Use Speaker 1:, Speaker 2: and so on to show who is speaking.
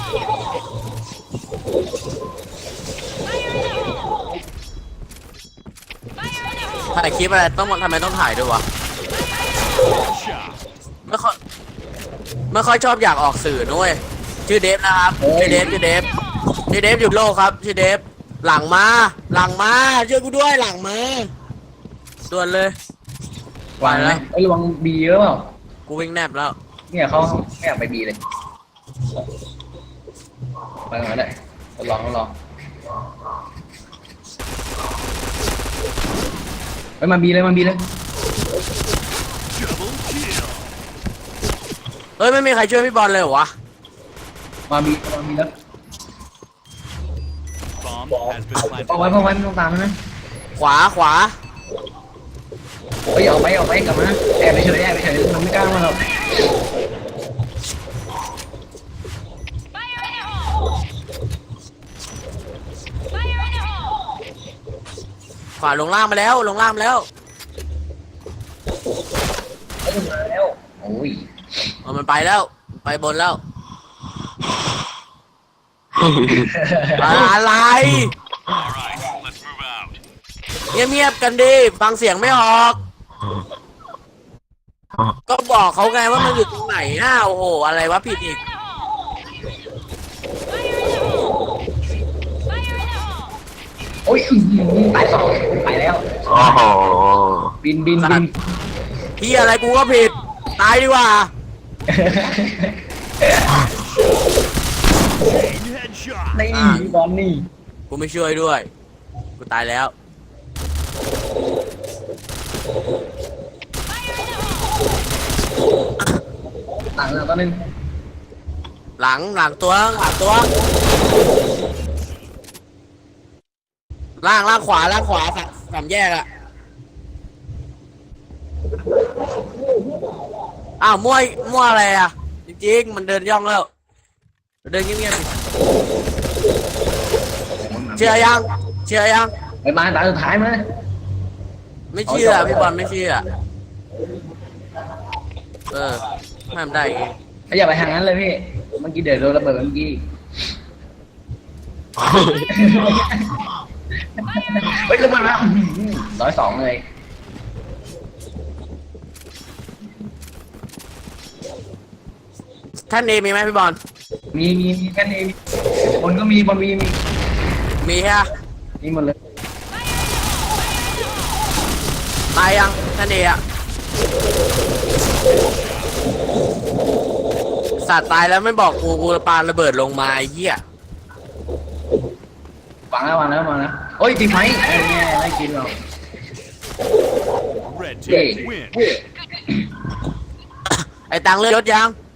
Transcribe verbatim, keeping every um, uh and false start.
Speaker 1: ถ่ายคลิปอะไรต้องทำไมต้องถ่ายด้วยวะไม่ค่อยไม่ค่อยชอบอยากออกสื่อด้วยชื่อเดฟนะครับชื่อเดฟชื่อเดฟชื่อเดฟหยุดโลกครับชื่อเดฟหลังมาหลังมาช่วยกูด้วยหลังมาด่วนเลยว
Speaker 2: างไหมไอ้ระวังบีเยอะเปล่า
Speaker 1: กูวิ่งแนบแล้ว
Speaker 2: เนี่ยเขาไม่อยากไปบีเลยไปก่อนเลยทดลองทดลองไปมาบีเลยมาบีเลย
Speaker 1: เฮ้ยไม่มีใครช่วยพี่บอลเลยเหรอวะ
Speaker 2: มาบีมาบีแล้วเอาไว้เอาไว้ไม่ต้องตามมันนะ
Speaker 1: ขวาขวา
Speaker 2: เฮ้ยออกไปออกไปกลับมาแอบไปเฉยแอบไปเฉยมันไม่กล้ามาหรอก
Speaker 1: ขวาลงล่างมาแล้วลงล่างมาแล้ว
Speaker 2: เอ้ยมาแล้วโอ้ย
Speaker 1: เอามันไปแล้วไปบนแล้วอะไรเงียบๆกันดิฟังเสียงไม่ออกก็บอกเขาไงว่ามันอยู่ตรงไหนน่าโอ้โหอะไรวะผิดอีก
Speaker 2: โอ้ยตายสองไปแล้ว
Speaker 3: โอ้โห
Speaker 2: บินบินบิน
Speaker 1: พี่อะไรกูก็ผิดตายดีกว่า
Speaker 2: นี่บอลนี่
Speaker 1: กูไม่ช่วยด้วยกูตายแล้ว
Speaker 2: หลังแล้วตัวนึง
Speaker 1: หลังหลังตัวหลังตัวล่างล่างขวาล่างขวาสามสามแยกอะอ้าวมั่วมั่วอะไรอะจริงๆมันเดินย่องแล้วเดินเงียบๆเชื่อยังเชื่อยัง
Speaker 2: ไปมาตาสุดท้ายมา
Speaker 1: ไม่เชื่อพี่บอลไม่เชื่อเออไม่ทำได้เอง
Speaker 2: อย่าไปทางนั้นเลยพี่เมื่อกี้เดี๋ยวโดนระเบิดเมื่อกี้เฮ้ยระเบิดแล้วร้อยสองเลย
Speaker 1: ท่านเอมีไหมพี่บอล
Speaker 2: มีมีมีแค่นี้บนก็มีบนมีมี
Speaker 1: มีฮะ
Speaker 2: มีหมดเลย
Speaker 1: ตายยังท่านเออะสัตว์ตายแล้วไม่บอกกูกูปาระเบิดลงมาไอ้เหี้ยว
Speaker 2: างแล้ววางแล้ววางแล้วโอ้ยตีไฟไอ้เนี่ยไม่กินหรอกเย้
Speaker 1: ไอ้ตังเลือดยศยัง